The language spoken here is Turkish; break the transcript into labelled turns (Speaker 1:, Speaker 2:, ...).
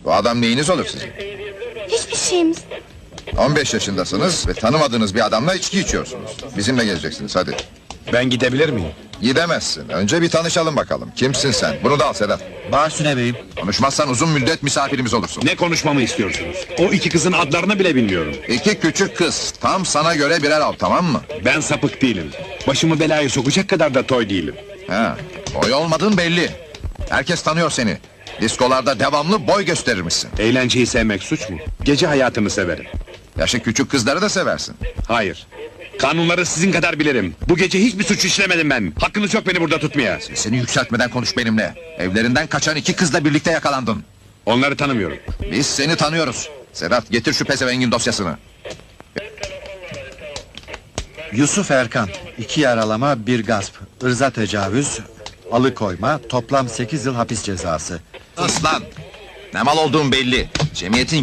Speaker 1: Bu adam neyiniz olur sizin?
Speaker 2: Hiçbir şeyimiz.
Speaker 1: 15 yaşındasınız ve tanımadığınız bir adamla içki içiyorsunuz. Bizimle geleceksiniz, hadi.
Speaker 3: Ben gidebilir miyim?
Speaker 1: Gidemezsin, önce bir tanışalım bakalım. Kimsin sen? Bunu da al Sedat.
Speaker 4: Bağüstüne beyim.
Speaker 1: Konuşmazsan uzun müddet misafirimiz olursun.
Speaker 3: Ne konuşmamı istiyorsunuz? O iki kızın adlarını bile bilmiyorum.
Speaker 1: İki küçük kız, tam sana göre birer al, tamam mı?
Speaker 3: Ben sapık değilim. Başımı belaya sokacak kadar da toy değilim.
Speaker 1: Ha, boy olmadığın belli. Herkes tanıyor seni. Diskolarda devamlı boy gösterirmişsin.
Speaker 3: Eğlenceyi sevmek suç mu? Gece hayatını severim.
Speaker 1: Yaşı küçük kızları da seversin.
Speaker 3: Hayır. Kanunları sizin kadar bilirim. Bu gece hiçbir suç işlemedim ben. Hakkınız yok beni burada tutmaya.
Speaker 1: Seni yükseltmeden konuş benimle. Evlerinden kaçan iki kızla birlikte yakalandın.
Speaker 3: Onları tanımıyorum.
Speaker 1: Biz seni tanıyoruz. Sedat, getir şu pezevengin dosyasını.
Speaker 4: Yusuf Erkan. 2 yaralama, 1 gasp. Irza tecavüz, alıkoyma, toplam 8 yıl hapis cezası.
Speaker 1: Aslan! Ne mal olduğun belli. Cemiyetin